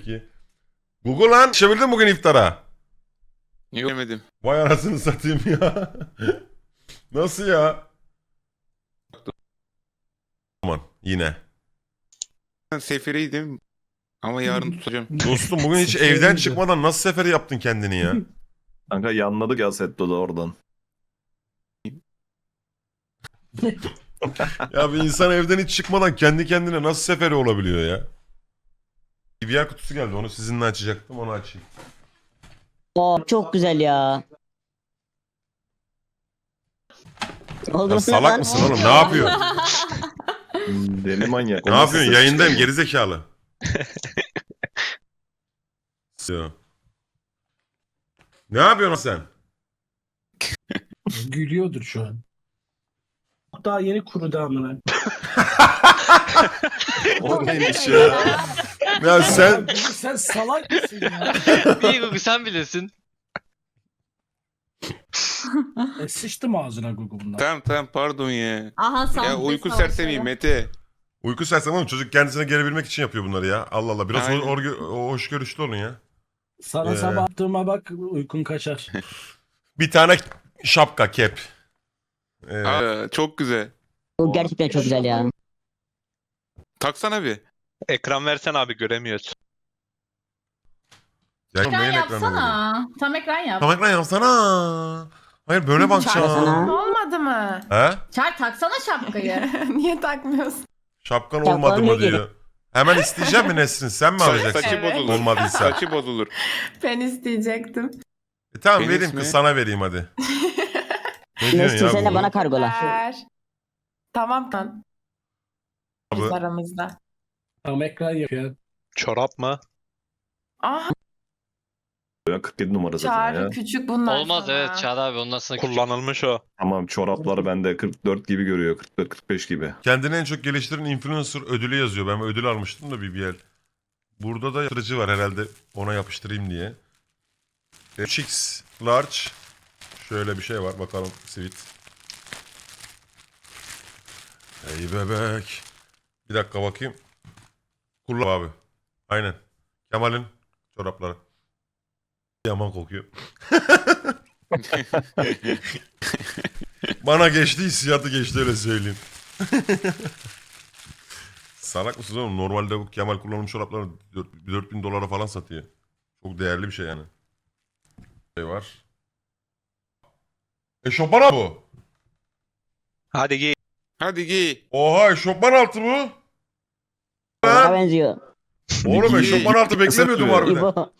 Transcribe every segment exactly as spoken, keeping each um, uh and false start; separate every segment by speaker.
Speaker 1: ki. Google lan yetişebildin bugün iftara.
Speaker 2: Yemedim.
Speaker 1: Vay anasını satayım ya. Nasıl ya? Aman yine.
Speaker 2: Ben seferiydim ama yarın tutacağım.
Speaker 1: Dostum bugün hiç evden çıkmadan nasıl seferi yaptın kendini ya?
Speaker 3: Kanka yanladık ya Setto'da oradan.
Speaker 1: Ya bir insan evden hiç çıkmadan kendi kendine nasıl seferi olabiliyor ya? B V R kutusu geldi, onu sizinle açacaktım, onu açayım.
Speaker 4: Oo, çok güzel ya. Oldu
Speaker 1: Ya
Speaker 4: mu
Speaker 1: salak
Speaker 4: lan?
Speaker 1: mısın oğlum, ne yapıyorsun?
Speaker 3: Deli manyak.
Speaker 1: Ne yapıyorsun, yayındayım gerizekalı. Ya. Ne yapıyorsun sen?
Speaker 5: Gülüyordur şu an. Daha yeni kurudu amına.
Speaker 3: O neymiş ya?
Speaker 1: Ya sen
Speaker 5: Sen salak mısın ya?
Speaker 6: İyi Gugu sen bilirsin.
Speaker 5: E, sıçtım ağzına Google bundan.
Speaker 2: Tamam tamam pardon ya.
Speaker 7: Aha sahte
Speaker 2: Ya uyku
Speaker 7: savaşları.
Speaker 2: sersemiyim Mete.
Speaker 1: uyku sersem oğlum, çocuk kendisine gelebilmek için yapıyor bunları ya. Allah Allah, biraz
Speaker 2: Aynen.
Speaker 1: or, or, hoş görüşlü olun ya.
Speaker 5: Sana
Speaker 1: Ee.
Speaker 5: sabah attığıma bak uykun kaçar.
Speaker 1: Bir tane şapka, kep. Ee,
Speaker 2: Aa, çok güzel.
Speaker 4: Bu gerçekten çok güzel ya.
Speaker 2: Taksana bir.
Speaker 6: Ekran versen abi göremiyoruz.
Speaker 1: ya
Speaker 7: Ekran
Speaker 1: neyin ekranı böyle?
Speaker 7: yapsana. Tam ekran yap.
Speaker 1: Tam ekran yapsana. Hayır böyle bakacağım.
Speaker 4: Sana.
Speaker 8: Olmadı mı?
Speaker 1: He?
Speaker 7: Çağır taksana şapkayı.
Speaker 8: Niye takmıyorsun?
Speaker 1: Şapkan
Speaker 4: Şapkan
Speaker 1: olmadı mı
Speaker 4: ne gibi?
Speaker 1: diyor. Hemen isteyeceğim mi Nesrin? Sen mi
Speaker 2: Sa-
Speaker 1: alacaksın?
Speaker 2: saçı
Speaker 8: Evet.
Speaker 2: bozulur.
Speaker 1: Olmadıysa.
Speaker 2: Saçı bozulur.
Speaker 8: Ben isteyecektim.
Speaker 1: E tamam
Speaker 2: Penis
Speaker 1: vereyim
Speaker 2: mi?
Speaker 1: kız, sana vereyim hadi. Ne diyorsun
Speaker 4: Nesrin
Speaker 1: ya
Speaker 4: sen de
Speaker 1: bu?
Speaker 4: bana kargola.
Speaker 8: Ver. Tamam lan. Biz
Speaker 1: Abi,
Speaker 8: aramızda.
Speaker 5: Tam ekran yapıyor.
Speaker 6: Çorap mı?
Speaker 8: Ah
Speaker 3: Ya kırk yedi numara zaten
Speaker 8: Çağrı
Speaker 3: ya.
Speaker 8: küçük bunlar
Speaker 6: Olmaz
Speaker 8: sana.
Speaker 6: evet Çağrı abi ondan sonra küçük.
Speaker 9: Kullanılmış o.
Speaker 3: Tamam çoraplar bende kırk dört gibi görüyor. kırk dört kırk beş gibi.
Speaker 1: kendini en çok geliştiren influencer ödülü yazıyor. Ben ödül almıştım da B B L. Burada da yapıştırıcı var herhalde, ona yapıştırayım diye. üç X large. Şöyle bir şey var, bakalım sweet. Ey bebek. Bir dakika bakayım. Kullan abi. Aynen. Kemal'in çorapları. Yaman kokuyor. Bana geçti, hissiyatı geçti, öyle söyleyeyim. Salak mısınız oğlum? Normalde bu Kemal kullanım çorapları dört bin dolara falan satıyor. Çok değerli bir şey yani. Şey var. Eşofman altı bu.
Speaker 6: Hadi giy.
Speaker 2: Hadi giy.
Speaker 1: Oha, eşofman altı bu.
Speaker 4: Bana benziyor.
Speaker 1: Oğlum
Speaker 3: Giy.
Speaker 1: eşofman altı beklemiyordum harbiden.
Speaker 4: İbo.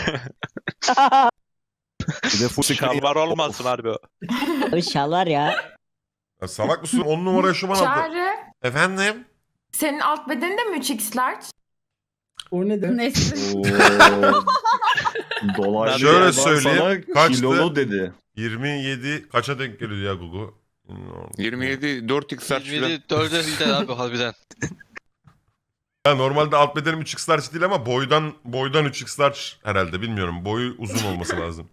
Speaker 3: Bir de full
Speaker 6: Şalvar olmasın harbi o.
Speaker 4: Abi şal var ya.
Speaker 1: Ya salak mısın? on numara eşofman altı.
Speaker 8: Çağrı
Speaker 1: Efendim?
Speaker 8: senin alt bedeni de mi üç x large?
Speaker 5: O ne de?
Speaker 7: Nesrin.
Speaker 3: Oo. Dolaylı
Speaker 1: Şöyle
Speaker 3: yerden
Speaker 1: söyleyeyim,
Speaker 3: sana
Speaker 1: kaçtı?
Speaker 3: kilolu dedi.
Speaker 1: yirmi yedi kaça denk geliyor ya Gugu?
Speaker 2: yirmi yedi dört x saç
Speaker 6: yirmi yedi dörde gider abi harbiden.
Speaker 1: Ya normalde alt bedenim üç X large değil ama boydan boydan üç X large herhalde, bilmiyorum. Boyu uzun olması lazım.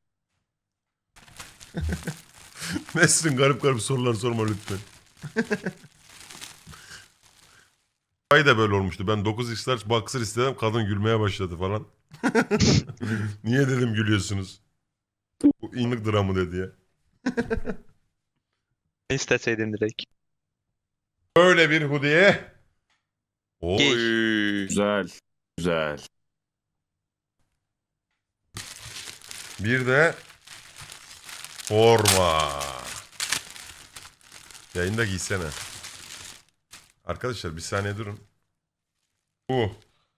Speaker 1: Nesrin, garip garip sorular sorma lütfen. Ay da böyle olmuştu. Ben dokuz X large boxer istedim. Kadın gülmeye başladı falan. Niye dedim gülüyorsunuz? Bu inlik dramı dedi ya.
Speaker 6: İsteseydin direkt.
Speaker 1: Böyle bir hoodie. Oy.
Speaker 2: Oy.
Speaker 3: Güzel. Güzel.
Speaker 1: Bir de forma. Yayında giysene. Arkadaşlar bir saniye durun. Bu.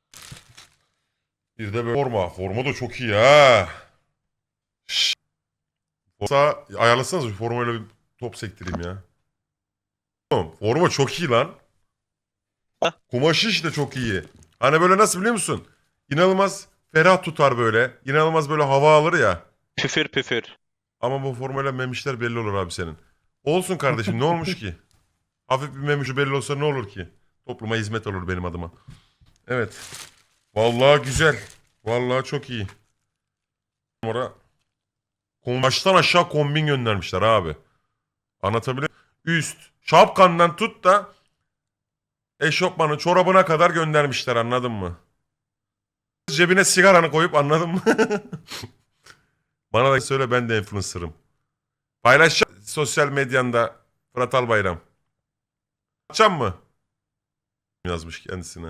Speaker 1: Bir de böyle forma. Forma da çok iyi ha. Şşş. Forma ayarlasanız bir formayla bir top sektireyim ya. Oğlum, forma çok iyi lan. Kumaşı işte çok iyi. Hani böyle nasıl biliyor musun? İnanılmaz ferah tutar böyle. İnanılmaz böyle hava alır ya.
Speaker 6: Püfür püfür.
Speaker 1: Ama bu formayla memişler belli olur abi senin. Olsun kardeşim, ne olmuş ki? Hafif bir memişi belli olsa ne olur ki? Topluma hizmet olur benim adıma. Evet. Vallahi güzel. Vallahi çok iyi. Sonra baştan aşağı kombin göndermişler abi. Anlatabiliyor muyum? Üst şapkandan tut da eşofmanı çorabına kadar göndermişler, anladın mı? cebine sigaranı koyup anladın mı? Bana da söyle ben de influencer'ım. Paylaş sosyal medyanda Fırat Albayram. Açacağım mı? Yazmış kendisine.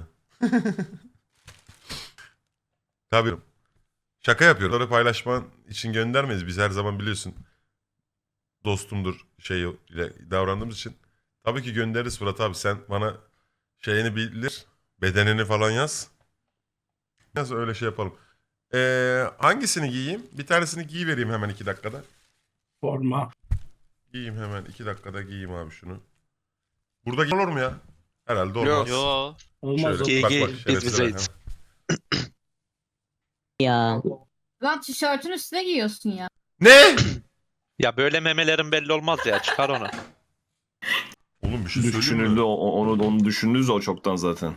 Speaker 1: Tabii. Şaka yapıyorum. Onları paylaşman için göndermeyiz. Biz her zaman biliyorsun dostumdur şey ile davrandığımız için. Tabii ki göndeririz Fırat abi. Sen bana şeyini bilir. Bedenini falan yaz. Yaz öyle şey yapalım. Ee, hangisini giyeyim? Bir tanesini giyivereyim hemen iki dakikada.
Speaker 5: Forma.
Speaker 1: Giyeyim hemen iki dakikada giyeyim abi şunu. Burada giy- olur mu ya? Herhalde olmaz.
Speaker 6: Yo.
Speaker 5: Olmaz o.
Speaker 1: Şöyle, bak
Speaker 6: Giy,
Speaker 1: bak
Speaker 6: giy.
Speaker 1: şerefsize
Speaker 6: Biz
Speaker 1: bak.
Speaker 6: bizeyiz.
Speaker 4: Ya.
Speaker 7: Lan tişörtün üstüne giyiyorsun ya.
Speaker 1: Ne?
Speaker 6: Ya böyle memelerin belli olmaz ya. Çıkar onu.
Speaker 1: Oğlum bir şey söyleyeyim
Speaker 3: Düşünüldü
Speaker 1: mi?
Speaker 3: o- o- onu onu düşündünüz o çoktan zaten.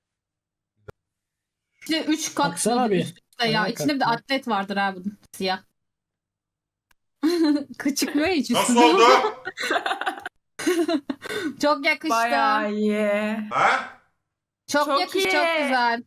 Speaker 7: İşte üç kat
Speaker 5: Baksana bir.
Speaker 7: üst üste ya.
Speaker 5: Ayağa
Speaker 7: İçinde bir de
Speaker 5: kalk.
Speaker 7: atlet vardır abi bunun. Siyah. Çıkmıyor hiç
Speaker 1: Nasıl
Speaker 7: üstüne.
Speaker 1: oldu?
Speaker 7: Çok yakıştı.
Speaker 8: Bayağı iyi.
Speaker 1: Ha?
Speaker 7: Çok,
Speaker 8: Çok
Speaker 7: yakış,
Speaker 8: iyi.
Speaker 7: çok güzel.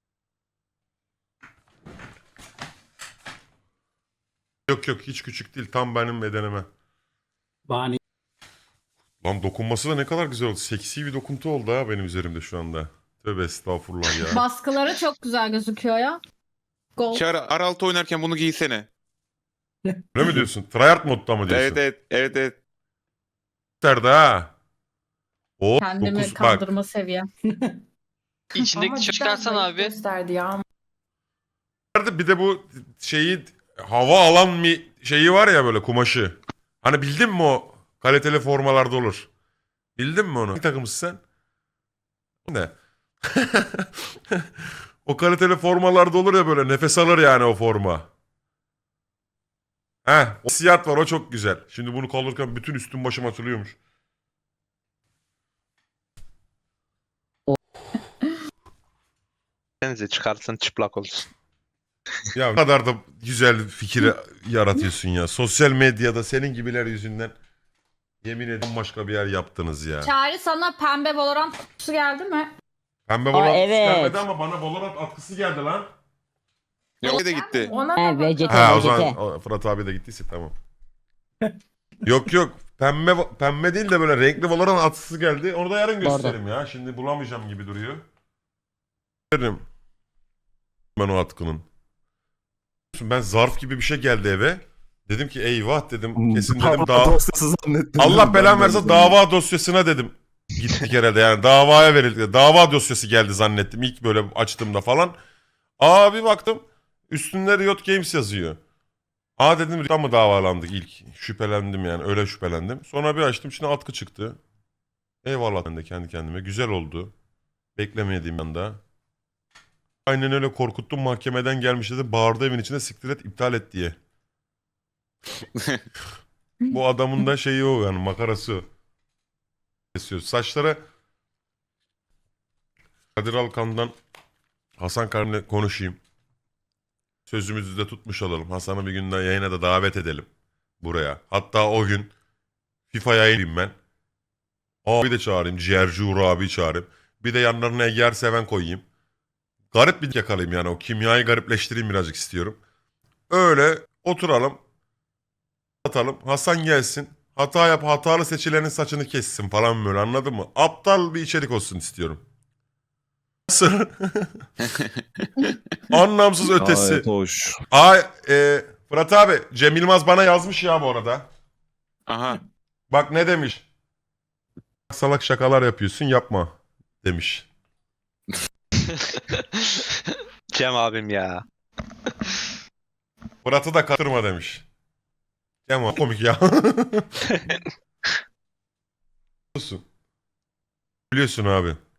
Speaker 1: Yok yok hiç küçük değil. Tam benim bedenime.
Speaker 5: Bani.
Speaker 1: Lan dokunması da ne kadar güzel oldu. Seksi bir dokuntu oldu ha benim üzerimde şu anda. Tövbe estağfurullah ya.
Speaker 7: Baskıları çok güzel gözüküyor ya. Gol.
Speaker 2: Çağrı Araltı oynarken bunu giysene.
Speaker 1: Öyle mi diyorsun? Tryhard modda mı diyorsun?
Speaker 2: Evet evet evet evet.
Speaker 1: Gösterdi ha. O
Speaker 7: Kendimi
Speaker 1: dokuz bak.
Speaker 7: kandırma seviyem.
Speaker 9: İçindeki
Speaker 8: Ama
Speaker 9: tişört
Speaker 8: cidden
Speaker 9: çıkarsan
Speaker 8: zayıf
Speaker 9: abi.
Speaker 8: gösterdi ya.
Speaker 1: Bir de bu şeyi hava alan bir şeyi var ya böyle kumaşı. Hani bildin mi o kaliteli formalarda olur. Bildin mi onu? Hangi takımısın sen? Ne? O kaliteli formalarda olur ya böyle nefes alır yani o forma. Heh, o siyah var o çok güzel. Şimdi bunu kaldırırken bütün üstüm başım atılıyormuş.
Speaker 6: Denize çıkarsın çıplak olsun.
Speaker 1: Ya ne kadar da güzel fikir yaratıyorsun ya. Sosyal medyada senin gibiler yüzünden yemin ederim başka bir yer yaptınız ya.
Speaker 7: Çağrı sana pembe Valorant kutusu geldi mi?
Speaker 1: Pembe
Speaker 4: Aa,
Speaker 1: Valorant
Speaker 4: evet.
Speaker 1: gelmedi ama bana Valorant atkısı geldi lan.
Speaker 2: Yok de gitti.
Speaker 8: Ona
Speaker 4: He,
Speaker 8: da
Speaker 4: V C T,
Speaker 1: Ha o
Speaker 4: V C T.
Speaker 1: zaman o, Fırat abi de gittiyse tamam. Yok yok pembe pembe değil de böyle renkli Valorant atkısı geldi. Onu da yarın
Speaker 4: Doğru.
Speaker 1: gösteririm ya. Şimdi bulamayacağım gibi duruyor. Gösteririm. Ben o atkının. Ben zarf gibi bir şey geldi eve. Dedim ki eyvah dedim. Kesin dedim daha...
Speaker 3: Dosyası zannettim.
Speaker 1: Allah
Speaker 3: Ben
Speaker 1: belan
Speaker 3: de
Speaker 1: verse
Speaker 3: zannettim.
Speaker 1: dava dosyasına dedim. Gittik herhalde yani davaya verildi. Dava dosyası geldi zannettim ilk böyle açtığımda falan. Aa bir baktım üstünde Riot Games yazıyor. Aa dedim Riot'tan mı davalandık ilk? Şüphelendim yani öyle şüphelendim. Sonra bir açtım şimdi atkı çıktı. Eyvallah ben de kendi kendime. Güzel oldu. Beklemediğim anda. Aynen öyle korkuttum mahkemeden gelmiş dedi. Bağırdı evin içinde siktir et iptal et diye. Bu adamın da şeyi o yani makarası o. Kesiyor. Saçlara Kadir Alkan'dan Hasan Karn'la konuşayım. Sözümüzü de tutmuş olalım. Hasan'ı bir günden yayına da davet edelim buraya. Hatta o gün FIFA'ya yayınlayayım ben. Abi de çağırayım. Ciğerci Uğur abi çağırayım. Bir de yanlarına Eger Seven koyayım. Garip bir yakalayayım yani. O kimyayı garipleştireyim birazcık istiyorum. Öyle oturalım. Atalım. Hasan gelsin. Hata yap, hatalı seçilenin saçını kessin falan böyle anladın mı? Aptal bir içerik olsun istiyorum. Nasıl? Anlamsız ötesi.
Speaker 3: Gayet hoş.
Speaker 1: Ay, e, Fırat abi, Cem Yılmaz bana yazmış ya bu arada.
Speaker 2: Aha.
Speaker 1: Bak ne demiş? Salak şakalar yapıyorsun yapma demiş.
Speaker 6: Cem abim ya.
Speaker 1: Fırat'ı da katırma demiş. Cem abi komik ya. Biliyorsun. Biliyorsun abi.